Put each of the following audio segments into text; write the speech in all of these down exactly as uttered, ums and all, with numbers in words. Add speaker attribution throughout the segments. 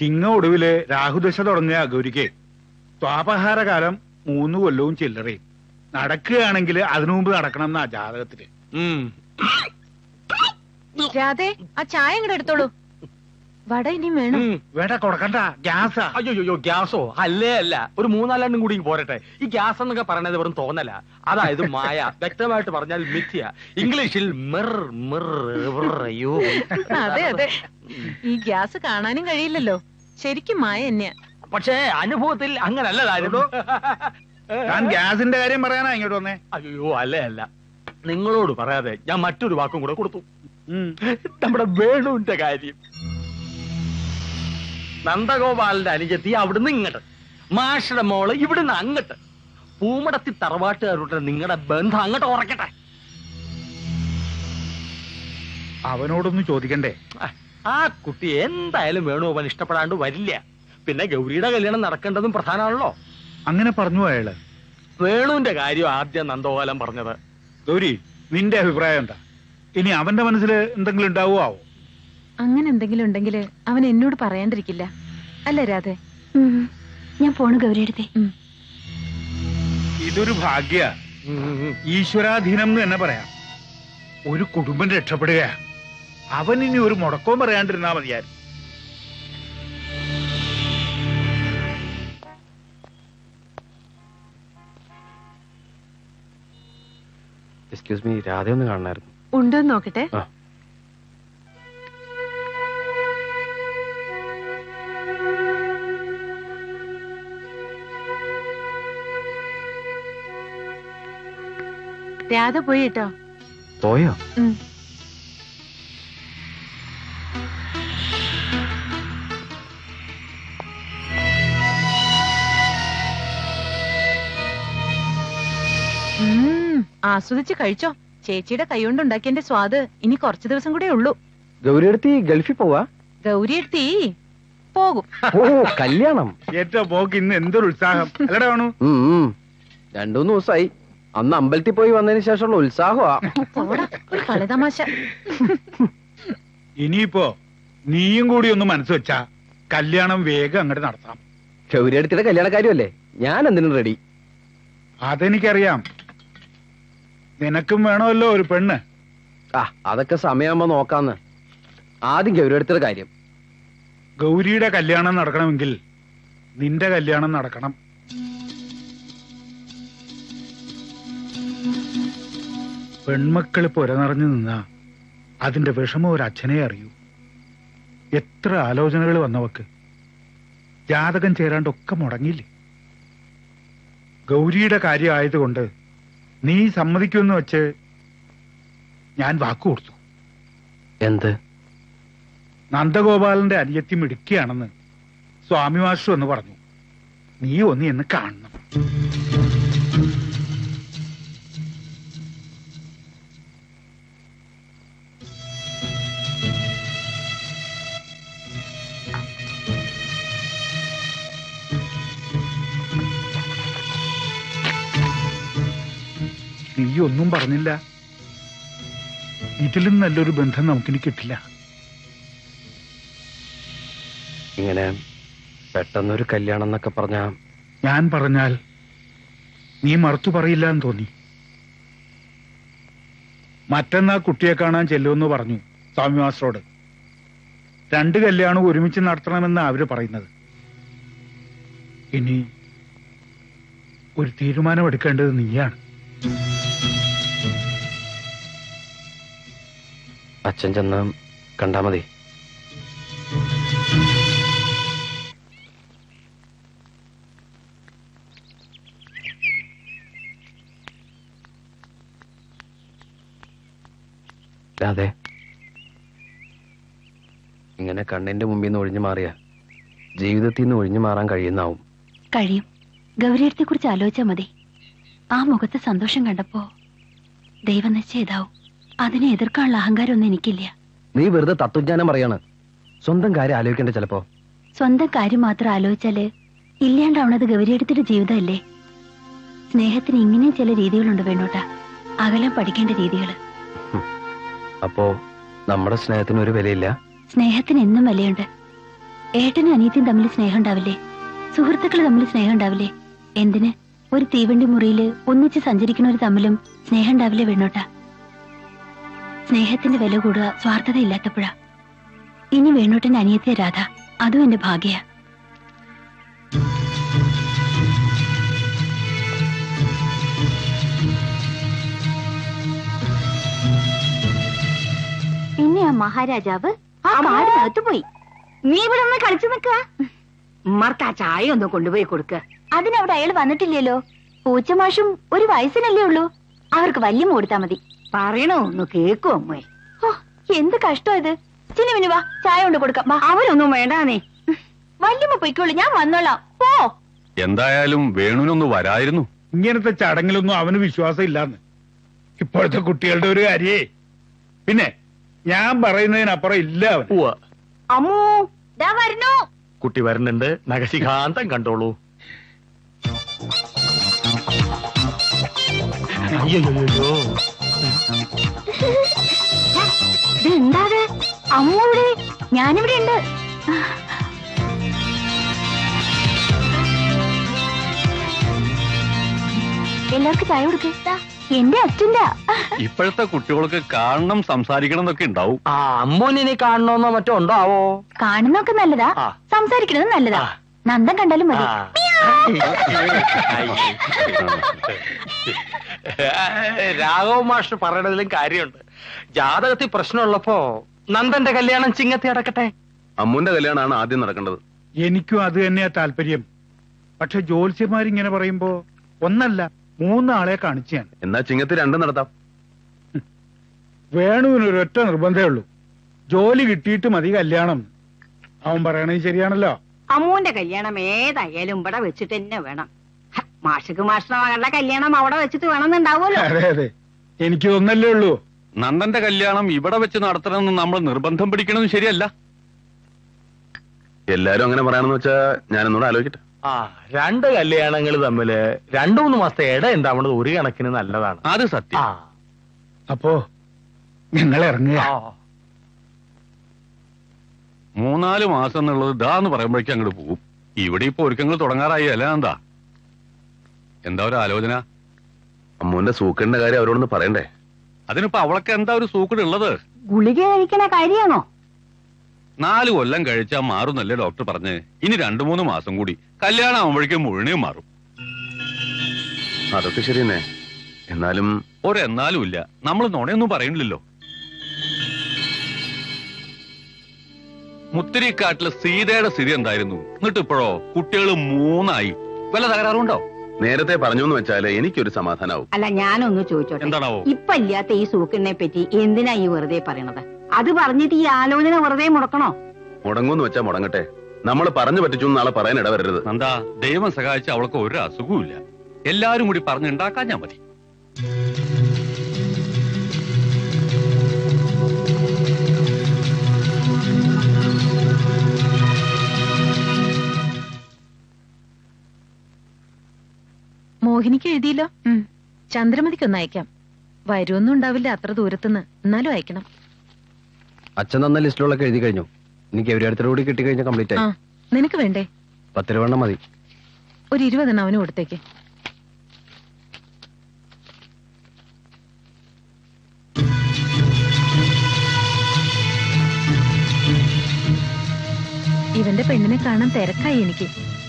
Speaker 1: ചിങ്ങ ഒടുവില് രാഹുദശ തുടങ്ങിയ ഗൗരിക്ക് സ്വാപഹാരകാലം മൂന്ന് കൊല്ലവും ചില്ലറയും നടക്കുകയാണെങ്കിൽ അതിനു മുമ്പ് നടക്കണം എന്നാ ജാതകത്തില്.
Speaker 2: രാധേ ആ ചായ ഇങ്ങോട്ട് എടുത്തോളൂ. വട ഇനിയും വേണം.
Speaker 1: വേണ്ട കൊടുക്കണ്ട, ഗ്യാസാ.
Speaker 3: അയ്യോ ഗ്യാസോ? അല്ലേ അല്ല, ഒരു മൂന്നാലെണ്ണം കൂടി പോരട്ടെ. ഈ ഗ്യാസ് എന്നൊക്കെ പറയണത് വെറും തോന്നല, അതായത് മായ. വ്യക്തമായിട്ട് പറഞ്ഞാൽ മിഥ്യ. ഇംഗ്ലീഷിൽ മിർ മിർ. അയ്യോ
Speaker 2: അതെ അതെ, ഈ ഗ്യാസ് കാണാനും കഴിയില്ലല്ലോ, ശരിക്കും മായ തന്നെയാ.
Speaker 3: പക്ഷേ അനുഭവത്തിൽ അങ്ങനല്ല കാര്യം.
Speaker 1: ഞാൻ ഗ്യാസിന്റെ കാര്യം പറയാനാ ഇങ്ങോട്ട് വന്നേ.
Speaker 3: അയ്യോ അല്ലേ അല്ല, നിങ്ങളോട് പറയാതെ ഞാൻ മറ്റൊരു വാക്കും കൂടെ കൊടുത്തു. നമ്മുടെ വേണുവിന്റെ കാര്യം. നന്ദഗോപാലിന്റെ അനുജത്തി അവിടുന്ന് ഇങ്ങോട്ട്, മാഷയുടെ മോള് ഇവിടുന്ന് അങ്ങോട്ട്, പൂമടത്തി തറവാട്ടുകാരുടെ നിങ്ങളുടെ ബന്ധം അങ്ങോട്ട് ഉറക്കട്ടെ.
Speaker 1: അവനോടൊന്നും ചോദിക്കണ്ടേ?
Speaker 3: ആ കുട്ടി എന്തായാലും വേണുഗോപാൽ ഇഷ്ടപ്പെടാണ്ട് വരില്ല. പിന്നെ ഗൗരിയുടെ കല്യാണം നടക്കേണ്ടതും പ്രധാനമാണല്ലോ.
Speaker 1: അങ്ങനെ പറഞ്ഞു അയാള്.
Speaker 3: വേണുവിന്റെ കാര്യം ആദ്യം നന്ദഗോപാലൻ പറഞ്ഞത്.
Speaker 1: ഗൗരി, നിന്റെ അഭിപ്രായം എന്താ? ഇനി അവന്റെ മനസ്സിൽ എന്തെങ്കിലും ഉണ്ടാവോ?
Speaker 2: അങ്ങനെ എന്തെങ്കിലും ഉണ്ടെങ്കിൽ അവൻ എന്നോട് പറയാണ്ടിരിക്കില്ല, അല്ലേ രാധേ?
Speaker 4: ഞാൻ പോണു ഗൗരിയെടുത്തേ.
Speaker 1: ഇതൊരു ഭാഗ്യ, ഈശ്വരാധീനം എന്ന് തന്നെ പറയാം. ഒരു കുടുംബം രക്ഷപ്പെടുക. അവൻ ഇനി ഒരു മുടക്കവും പറയാണ്ടിരുന്നാ മതിയായിരുന്നു.
Speaker 5: എക്സ്ക്യൂസ് മീ, രാധ ഒന്ന് കാണണമായിരുന്നു.
Speaker 2: ഉണ്ടോന്ന് നോക്കട്ടെ. രാധ പോയി കേട്ടോ.
Speaker 5: പോയോ?
Speaker 2: ആസ്വദിച്ച് കഴിച്ചോ. ചേച്ചിയുടെ കൈകൊണ്ട് ഉണ്ടാക്കിയതിന്റെ സ്വാദ് ഇനി കുറച്ചു ദിവസം കൂടെ ഉള്ളൂ.
Speaker 5: ഗൗരിയെടുത്തി ഗൾഫിൽ പോവാ?
Speaker 2: ഗൗരിയെടുത്തി പോകും.
Speaker 5: ഓ, കല്യാണം.
Speaker 1: ഏറ്റവും പോക്ക് ഇന്ന് എന്തൊരു ഉത്സാഹം അല്ലടാ വേണു.
Speaker 5: രണ്ടൂന്ന് ദിവസമായി. അന്ന് അമ്പലത്തിൽ പോയി വന്നതിന് ശേഷമുള്ള ഉത്സാഹമാ.
Speaker 2: കളിതമാശ.
Speaker 1: ഇനിയിപ്പോ നീയും കൂടി ഒന്ന് മനസ്സ് വെച്ചാ കല്യാണം വേഗം അങ്ങോട്ട് നടത്താം.
Speaker 5: ഗൗരിയെടുത്തിയുടെ കല്യാണക്കാരിയല്ലേ, ഞാൻ എന്തിനും റെഡി.
Speaker 1: അതെനിക്കറിയാം. നിനക്കും വേണമല്ലോ ഒരു പെണ്ണ്.
Speaker 5: ആ, അതൊക്കെ സമയമാകുമ്പോ നോക്കാന്ന്. ആദ്യം ഗൗരിയെടുത്തിയുടെ കാര്യം.
Speaker 1: ഗൗരിയുടെ കല്യാണം നടക്കണമെങ്കിൽ നിന്റെ കല്യാണം നടക്കണം. പെൺമക്കള് പുരനിറഞ്ഞു നിന്നാ അതിന്റെ വിഷമം ഒരു അച്ഛനെ അറിയൂ. എത്ര ആലോചനകൾ വന്നവക്ക് ജാതകം ചേരാണ്ടൊക്കെ മുടങ്ങിയില്ലേ. ഗൗരിയുടെ കാര്യം ആയതുകൊണ്ട് നീ സമ്മതിക്കുമെന്ന് വെച്ച് ഞാൻ വാക്കു കൊടുത്തു.
Speaker 5: എന്ത്?
Speaker 1: നന്ദഗോപാലന്റെ അനിയത്തി മിടുക്കിയാണെന്ന് സ്വാമി മാസ്റ്റർ എന്ന് പറഞ്ഞു. നീ ഒന്ന് എന്ന് കാണണം. നീ ഒന്നും പറഞ്ഞില്ല. ഇതിലും നല്ലൊരു ബന്ധം നമുക്കിനി കിട്ടില്ല.
Speaker 5: ഇങ്ങനെ പെട്ടെന്നൊരു കല്യാണം എന്നൊക്കെ പറഞ്ഞ
Speaker 1: ഞാൻ പറഞ്ഞാൽ നീ മറുത്തു പറയില്ല എന്ന് തോന്നി. മറ്റന്നാ കുട്ടിയെ കാണാൻ ചെല്ലുമെന്ന് പറഞ്ഞു സ്വാമി മാസ്റ്ററോട്. രണ്ട് കല്യാണം ഒരുമിച്ച് നടത്തണമെന്ന് അവര് പറയുന്നത്. ഇനി ഒരു തീരുമാനമെടുക്കേണ്ടത് നീയാണ്.
Speaker 5: അച്ഛൻ ചെന്ന് കണ്ടാ മതി. അതെ, ഇങ്ങനെ കണ്ണിന്റെ മുമ്പിൽ നിന്ന് ഒഴിഞ്ഞു മാറിയ ജീവിതത്തിൽ നിന്ന് ഒഴിഞ്ഞു മാറാൻ കഴിയുന്നാവും.
Speaker 4: കഴിയും. ഗൗരിയത്തെ കുറിച്ച് ആലോചിച്ചാ മതി. ആ മുഖത്ത് സന്തോഷം കണ്ടപ്പോ ദൈവം നിശ്ചയിതാവും. അതിനെ എതിർക്കാനുള്ള അഹങ്കാരം ഒന്നും എനിക്കില്ല.
Speaker 5: നീ വെറുതെ തത്വജ്ഞാനം പറയാണ്. സ്വന്തം കാര്യം ആലോചിക്കണ്ട. ചിലപ്പോ
Speaker 4: സ്വന്തം കാര്യം മാത്രം ആലോചിച്ചാല് ഇല്ലാണ്ടാവണത് ഗൗരിയെടുത്തിട്ട് ജീവിതമല്ലേ. സ്നേഹത്തിന് ഇങ്ങനെയും ചില രീതികളുണ്ട് വേണോട്ടാ, അകലം പഠിക്കേണ്ട രീതികള്.
Speaker 5: അപ്പോ നമ്മുടെ സ്നേഹത്തിന് ഒരു വിലയില്ല?
Speaker 4: സ്നേഹത്തിന് എന്നും വിലയുണ്ട്. ഏട്ടനും അനിയത്തിയും തമ്മിൽ സ്നേഹം ഉണ്ടാവില്ലേ? സുഹൃത്തുക്കൾ തമ്മിൽ സ്നേഹം ഉണ്ടാവില്ലേ? എന്തിന് ഒരു തീവണ്ടി മുറിയില് ഒന്നിച്ച് സഞ്ചരിക്കുന്നവർ തമ്മിലും സ്നേഹം ഉണ്ടാവില്ലേ വേണോട്ടാ? സ്നേഹത്തിന്റെ വില കൂടുക സ്വാർത്ഥത ഇല്ലാത്തപ്പോഴാ. ഇനി വേണോട്ടന്റെ അനിയത്തിയ രാധ, അതും എന്റെ ഭാഗ്യ. പിന്നെ ആ മഹാരാജാവ് ആ കാടിനകത്ത് പോയി. നീ ഇവിടെ ഒന്ന് കളിച്ചു നിൽക്കുക. ഉമ്മർക്ക് ആ ചായ ഒന്ന് കൊണ്ടുപോയി കൊടുക്ക. അതിനവിടെ അയാൾ വന്നിട്ടില്ലല്ലോ. പൂച്ചമാഷും ഒരു വയസ്സിനല്ലേ ഉള്ളൂ. അവർക്ക് വല്യമ്മ കൊടുത്താ മതി. പറയണോ ഒന്ന് കേക്കോ അമ്മേ? ഓ, എന്ത് കഷ്ടം ഇത്. ചിന്നുവിന് വാ, ചായ കൊണ്ട് കൊടുക്കാം. അവരൊന്നും വേണ്ടാന്നേ. വല്യമ്മ പൊയ്ക്കോളൂ, ഞാൻ വന്നോളാം. പോ.
Speaker 6: എന്തായാലും വേണുവിനൊന്ന് വരായിരുന്നു.
Speaker 1: ഇങ്ങനത്തെ ചടങ്ങിലൊന്നും അവന് വിശ്വാസം ഇല്ലാന്ന് ഇപ്പോഴത്തെ കുട്ടികളുടെ ഒരു കാര്യേ. പിന്നെ ഞാൻ പറയുന്നതിനപ്പുറം ഇല്ല അവൻ.
Speaker 4: അമ്മൂ ദാ വരണു.
Speaker 3: കുട്ടി വരുന്നുണ്ട്, നഖശിഖാന്തം കണ്ടോളൂ. അയ്യോ
Speaker 4: ഇതെന്താത്? അമ്മ ഇവിടെ, ഞാനിവിടെ ഉണ്ട്. എല്ലാവർക്കും ചായ കൊടുക്ക. എന്റെ അച്ഛന്റെ.
Speaker 6: ഇപ്പോഴത്തെ കുട്ടികൾക്ക് കാണണം, സംസാരിക്കണം എന്നൊക്കെ ഉണ്ടാവും.
Speaker 3: ആ അമ്മോനെ കാണണമെന്നോ മറ്റോ ഉണ്ടാവോ?
Speaker 4: കാണുന്നൊക്കെ നല്ലതാ, സംസാരിക്കണത് നല്ലതാ. നന്ദൻ കണ്ടാലും മതി.
Speaker 3: രാഘവ മാഷ് പറയണതിലും കാര്യമുണ്ട്. ജാതകത്തിൽ പ്രശ്നമുള്ളപ്പോ നന്ദന്റെ കല്യാണം ചിങ്ങത്തി അടക്കട്ടെ.
Speaker 6: അമ്മുന്റെ കല്യാണമാണ് ആദ്യം നടക്കേണ്ടത്.
Speaker 1: എനിക്കും അത് തന്നെയാ താല്പര്യം. പക്ഷെ ജ്യോത്സ്യന്മാരിങ്ങനെ പറയുമ്പോ ഒന്നല്ല മൂന്നാളെ കാണിച്ചാണ്.
Speaker 6: എന്നാ ചിങ്ങത്തി രണ്ടും നടത്താം.
Speaker 1: വേണുവിന് ഒരൊറ്റ നിർബന്ധമേ ഉള്ളൂ, ജോലി കിട്ടിയിട്ട് മതി കല്യാണം. അവൻ പറയണത് ശരിയാണല്ലോ.
Speaker 7: അമ്മൂന്റെ കല്യാണം ഏതായാലും ഇവിടെ വെച്ചിട്ട് തന്നെ വേണം. മാഷക്ക് മാഷിന്റെ മകളുടെ കല്യാണം അവിടെ വെച്ചിട്ട് വേണമെന്നുണ്ടാവുമല്ലോ.
Speaker 1: അതെ അതെ, എനിക്ക് ഒന്നല്ലേ ഉള്ളൂ.
Speaker 6: നന്ദന്റെ കല്യാണം ഇവിടെ വെച്ച് നടത്തണമെന്ന് നമ്മൾ നിർബന്ധം പിടിക്കണമെന്ന് ശരിയല്ല. എല്ലാരും അങ്ങനെ പറയാണെന്ന് വെച്ചാ ഞാനൊന്നുകൂടെ ആലോചിക്കട്ടെ.
Speaker 3: ആ രണ്ട് കല്യാണങ്ങൾ തമ്മില് രണ്ടു മൂന്ന് മാസത്തെ ഇട എന്താവണത് ഒരു കണക്കിന് നല്ലതാണ്.
Speaker 6: അത് സത്യം.
Speaker 3: ആ
Speaker 1: അപ്പോ ഞങ്ങൾ ഇറങ്ങുക.
Speaker 6: മൂന്നാല് മാസം എന്നുള്ളത് ഇതാന്ന് പറയുമ്പോഴേക്കും അങ്ങോട്ട് പോകും. ഇവിടെ ഇപ്പൊ ഒരുക്കങ്ങൾ തുടങ്ങാറായി അല്ല? എന്താ എന്താ ഒരു ആലോചന? അമ്മുവിന്റെ സൂക്കടിന്റെ കാര്യം അവരോടൊന്ന് പറയണ്ടേ? അതിനിപ്പോ അവളൊക്കെ എന്താ ഒരു സൂക്കട് ഉള്ളത്?
Speaker 7: ഗുളിക കഴിക്കണ കാര്യമാണോ?
Speaker 6: നാല് കൊല്ലം കഴിച്ചാ മാറുന്നല്ലേ ഡോക്ടർ പറഞ്ഞ്. ഇനി രണ്ടു മൂന്ന് മാസം കൂടി കല്യാണം ആവുമ്പോഴേക്കും മുഴുവനും മാറും. അതൊക്കെ ശരി തന്നെ. എന്നാലും ഒരെന്നാലും ഇല്ല. നമ്മൾ നുണയൊന്നും പറയണില്ലല്ലോ. മുത്തിരിക്കാട്ടിലെ സീതയുടെ സ്ഥിതി എന്തായിരുന്നു? എന്നിട്ട് ഇപ്പോഴോ കുട്ടികൾ മൂന്നായി. വല്ല തകരാറുണ്ടോ? നേരത്തെ പറഞ്ഞു എന്ന് വെച്ചാല് എനിക്കൊരു സമാധാനാവും.
Speaker 7: അല്ല ഞാനൊന്ന് ചോദിച്ചോട്ടെ,
Speaker 6: എന്താണാവോ?
Speaker 7: ഇപ്പൊ ഇല്ലാത്ത ഈ സൂക്കിനെ പറ്റി എന്തിനാ ഈ വെറുതെ പറയണത്? അത് പറഞ്ഞിട്ട് ഈ ആലോചന വെറുതെ മുടക്കണോ?
Speaker 6: മുടങ്ങുമെന്ന് വെച്ചാ മുടങ്ങട്ടെ. നമ്മൾ പറഞ്ഞു പറ്റിച്ചു നാളെ പറയാൻ ഇടവരരുത്. എന്താ ദൈവം സഹായിച്ച അവൾക്ക് ഒരു അസുഖവും ഇല്ല. എല്ലാരും കൂടി പറഞ്ഞുണ്ടാക്കാൻ ഞാൻ മതി.
Speaker 2: മോഹിനിക്ക് എഴുതിയില്ലോ. ചന്ദ്രമതിക്കൊന്ന് അയക്കാം. വരുമൊന്നും ഉണ്ടാവില്ല അത്ര ദൂരത്തുനിന്ന്, എന്നാലും അയക്കണം.
Speaker 5: അച്ഛൻ തന്ന ലിസ്റ്റിലൊക്കെ എഴുതി കഴിഞ്ഞു. എനിക്ക് എവിടെ കൂടി കിട്ടിക്കഴിഞ്ഞാൽ കംപ്ലീറ്റ്
Speaker 2: ആ
Speaker 5: ആയി.
Speaker 2: നിനക്ക് വേണ്ടേ?
Speaker 5: പത്ത് രൂപ മതി.
Speaker 2: ഒരു ഇരുപതെണ്ണം അവന് കൊടുത്തേക്ക്. ഇവന്റെ പെണ്ണിനെ കാണാൻ തിരക്കായി എനിക്ക്.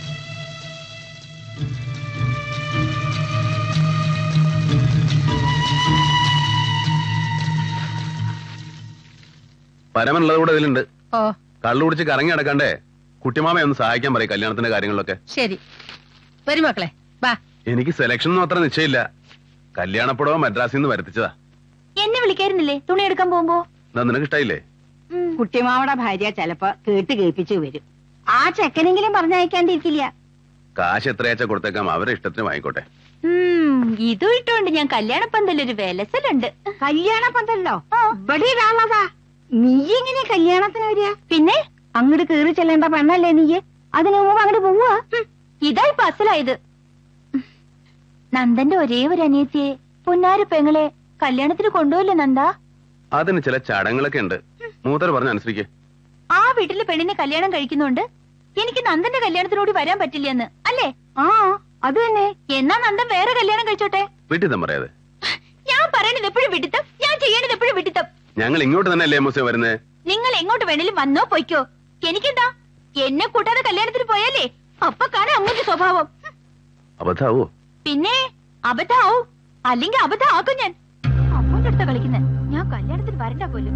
Speaker 6: പരമനുള്ളത് കൂടെ ഇതിലുണ്ട്.
Speaker 2: ഓ
Speaker 6: കള്ളു കുടിച്ച് കറങ്ങി നടക്കണ്ടേ? കുട്ടിമാമയെ ഒന്ന് സഹായിക്കാൻ പറയും കല്യാണത്തിന്റെ കാര്യങ്ങളിലൊക്കെ.
Speaker 2: ശരി, വരും മക്കളെ. ബാ.
Speaker 6: എനിക്ക് സെലക്ഷൻ ഒന്നും അത്ര നിശ്ചയില്ല. കല്യാണപ്പുടവ മദ്രാസിൽ നിന്ന് വരുത്തിച്ചതാ.
Speaker 4: എന്നെ വിളിക്കായിരുന്നില്ലേ തുണി എടുക്കാൻ പോകുമ്പോ?
Speaker 6: എന്താ നിനക്ക് ഇഷ്ടായില്ലേ?
Speaker 7: കുട്ടിമാവയുടെ ഭാര്യ ചിലപ്പോ കേട്ട് കേൾപ്പിച്ചു വരും. ആ ചെക്കനെങ്കിലും പറഞ്ഞയക്കാണ്ടിരിക്കില്ല.
Speaker 6: കാശ് എത്രയാച്ചാ കൊടുത്തേക്കാം, അവരെ ഇഷ്ടത്തിന് വാങ്ങിക്കോട്ടെ.
Speaker 4: ഇതും ഇട്ടോണ്ട് ഞാൻ കല്യാണ പന്തലൊരു വിലസലുണ്ട്.
Speaker 7: കല്യാണ പന്തല്ലോ ഇവിടെ ഇടാനുള്ളതാ. നീ എങ്ങനെ കല്യാണത്തിന് വരിക?
Speaker 4: പിന്നെ
Speaker 7: അങ്ങോട്ട് കേറി ചെല്ലേണ്ട പെണ്ണല്ലേ നീ? അതിനു മുമ്പ് അങ്ങോട്ട് പോവാ.
Speaker 4: ഇതാ ഇപ്പൊ അസലായത്. നന്ദന്റെ ഒരേ ഒരു അനിയത്തിയെ പൊന്നാര പെങ്ങളെ കല്യാണത്തിന് കൊണ്ടുപോയില്ലേ നന്ദ?
Speaker 6: അതിന് ചില ചടങ്ങുകളൊക്കെ ഉണ്ട്. മൂത്തർ പറഞ്ഞ അനുസരിക്കേ.
Speaker 4: ആ വീട്ടിലെ പെണ്ണിനെ കല്യാണം കഴിക്കുന്നുണ്ട് എനിക്ക് നന്ദന്റെ കല്യാണത്തിനോട് വരാൻ പറ്റില്ലെന്ന് അല്ലേ? ആ അത് തന്നെ. എന്നാ നന്ദൻ വേറെ കല്യാണം കഴിച്ചോട്ടെ.
Speaker 6: വീട്ടിൽ പറയാതെ.
Speaker 4: ഞാൻ പറയണത് എപ്പോഴും വിട്ടിത്തം, ഞാൻ ചെയ്യണത് എപ്പോഴും വിട്ടിത്തം.
Speaker 6: ഞങ്ങൾ ഇങ്ങോട്ട് തന്നെ അല്ലേ മൂസേ വരുന്നേ?
Speaker 4: നിങ്ങൾ എങ്ങോട്ട് വേണേലും വന്നോ പൊയ്ക്കോ, എനിക്കെന്താ? എന്നെ കൂട്ടാതെ കല്യാണത്തിന് പോയാലേ അപ്പൊ കാണാൻ അമ്മൂന്റെ സ്വഭാവം.
Speaker 6: അബദ്ധാവോ?
Speaker 4: പിന്നെ അബദ്ധാവും, അല്ലെങ്കിൽ അബദ്ധം ആക്കും ഞാൻ. അമ്മൂന്റെ അടുത്ത കളിക്കുന്നത്. ഞാൻ കല്യാണത്തിന് വരണ്ട പോലും.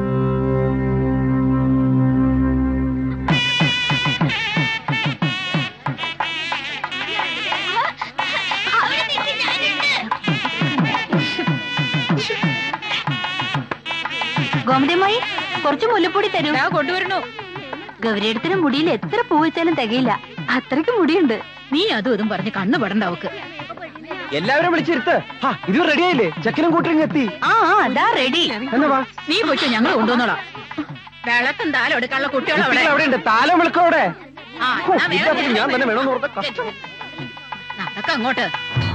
Speaker 4: ഗോമതിയമ്മായി കുറച്ച് മുല്ലപ്പൊടി തരൂ.
Speaker 2: കൊണ്ടുവരണോ?
Speaker 4: ഗൗരിയടത്തിന് മുടിയിൽ എത്ര പൂ വെച്ചാലും തികയില്ല, അത്രയ്ക്ക് മുടിയുണ്ട്.
Speaker 2: നീ അതും ഇതും പറഞ്ഞ് കണ്ണു പെടണ്ട അവക്ക്.
Speaker 3: എല്ലാവരും വിളിച്ചിരുത്ത്. ഇത് റെഡിയായില്ലേ? ചെക്കനും കൂട്ടരും എത്തി.
Speaker 4: ആ അതാ റെഡി.
Speaker 2: നീ പോയിക്കോ, ഞങ്ങൾ കൊണ്ടുവന്നോളാം. വിളക്കും താലം എടുക്കാനുള്ള കുട്ടികളവിടെ
Speaker 3: അവിടെ ഉണ്ട്. താലം വിളിക്കോടെ.
Speaker 2: ആ, എന്നാ വേഗം
Speaker 3: ഞാൻ തന്നെ വേണമെന്ന് ഓർത്ത കഷ്ടം.
Speaker 2: നടക്ക അങ്ങോട്ട്.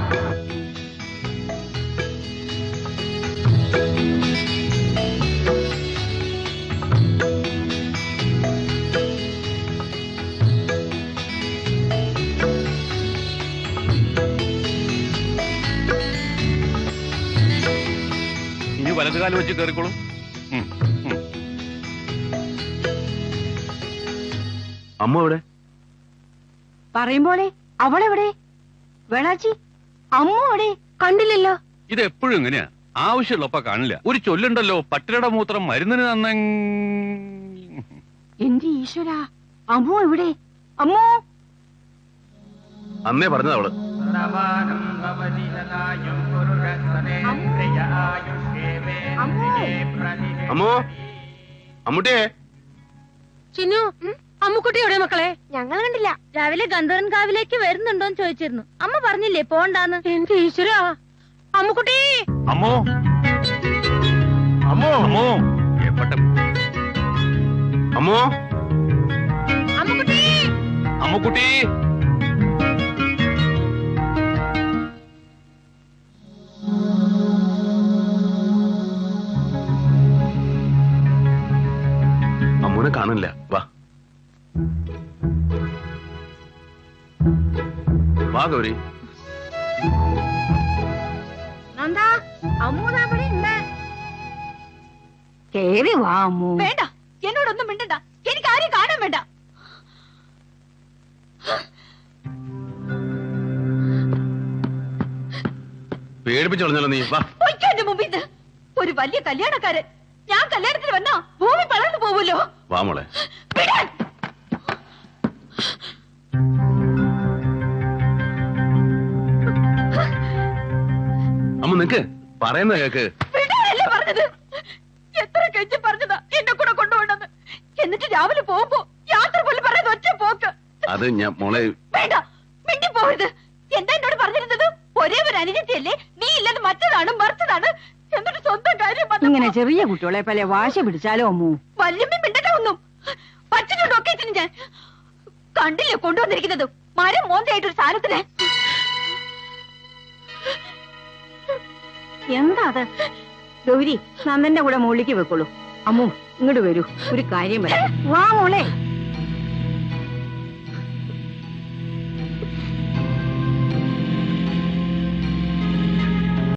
Speaker 6: ഇനി വലതുകാലം വെച്ച് കയറിക്കോളും. അമ്മ എവിടെ?
Speaker 4: പറയുമ്പോളെ അവളെവിടെ? വേളാച്ചി അമ്മ എവിടെ? കണ്ടില്ലല്ലോ.
Speaker 6: ഇത് എപ്പോഴും ഇങ്ങനെയാ, ആവശ്യമുള്ളപ്പ കാണില്ല. ഒരു ചൊല്ലുണ്ടല്ലോ, പട്ടിയുടെ മൂത്രം മരുന്നിന് തന്ന.
Speaker 4: എന്റെ ഈശ്വര, അമ്മോ എവിടെ? അമ്മോ
Speaker 6: അന്നേ പറഞ്ഞത് അവള്. അമ്മോ, അമ്മൂട്ടിയെ.
Speaker 2: ചിന്നു, അമ്മുക്കുട്ടി എവിടെ മക്കളെ?
Speaker 4: ഞങ്ങൾ കണ്ടില്ല. രാവിലെ ഗന്ധർവൻ കാവിലേക്ക് വരുന്നുണ്ടോന്ന് ചോദിച്ചിരുന്നു. അമ്മ പറഞ്ഞില്ലേ പോണ്ടാന്ന്.
Speaker 2: എന്റെ ഈശ്വരാ, അമ്മുക്കുട്ടി.
Speaker 6: അമ്മോ, അമ്മോ, അമ്മോ, എപ്പട്ട അമ്മോ,
Speaker 2: അമ്മുക്കുട്ടി.
Speaker 6: അമ്മുക്കുട്ടി. അമ്മൂനെ കാണില്ല. വാ വാ ഗൗരി.
Speaker 4: നന്ദാ, അമ്മു അവിടെ ഉണ്ട്. കേറി വാ അമ്മു.
Speaker 2: വേണ്ട, എന്നോടൊന്നും മിണ്ടണ്ട. എനിക്ക് ആരെയും കാണാൻ വേണ്ട.
Speaker 6: പേടിപ്പിച്ചു കളഞ്ഞല്ലോ നീ. വാ.
Speaker 2: പൊയ്ക്കോ എന്റെ മുമ്പിൽ നിന്ന്. ഒരു വലിയ കല്യാണക്കാരൻ. ഞാൻ കല്യാണത്തിന് വന്നാ ഭൂമി പളർന്നു പോവുമല്ലോ.
Speaker 6: വാ മോളെ.
Speaker 2: വിടാൻ.
Speaker 6: അമ്മ നിക്ക്, പറയുന്ന കേക്ക്.
Speaker 2: വിടാനല്ലേ പറഞ്ഞത്? എത്ര കെഞ്ചി പറഞ്ഞതാ എന്നെ കൂടെ കൊണ്ടുപോകണമെന്ന്. എന്നിട്ട് രാവിലെ പോകുമ്പോ യാത്ര പോലും പറയുന്നത് ഒറ്റ പോക്ക്.
Speaker 6: അത് ഞാൻ മോളെ.
Speaker 2: വേണ്ട, മിണ്ടി പോകരുത്. എന്താ എന്നോട് പറഞ്ഞിരുന്നത്? ഒരേ ഒരു അനുജത്തിയല്ലേ, നീ ഇല്ലെന്ന് മറ്റതാണ് മറിച്ചതാണ്. എന്നിട്ട് സ്വന്തം കാര്യം വന്നപ്പോ
Speaker 7: ഇങ്ങനെ ചെറിയ കുട്ടികളെ പല വാശ പിടിച്ചാലോ അമ്മു?
Speaker 2: വല്യമ്മ മിണ്ടണ്ട ഒന്നും. പച്ചനോണ്ടൊക്കെ ഞാൻ കണ്ടില്ലേ കൊണ്ടുവന്നിരിക്കുന്നത് മരം മോന്തയായിട്ടൊരു സാധനത്തിന്.
Speaker 7: എന്താ അത്? ഗൗരി, നന്ദന്റെ കൂടെ മുകളിലേക്ക് വെക്കോളൂ. അമ്മു ഇങ്ങോട്ട് വരൂ, ഒരു കാര്യം പറയാം. വാ മോളെ.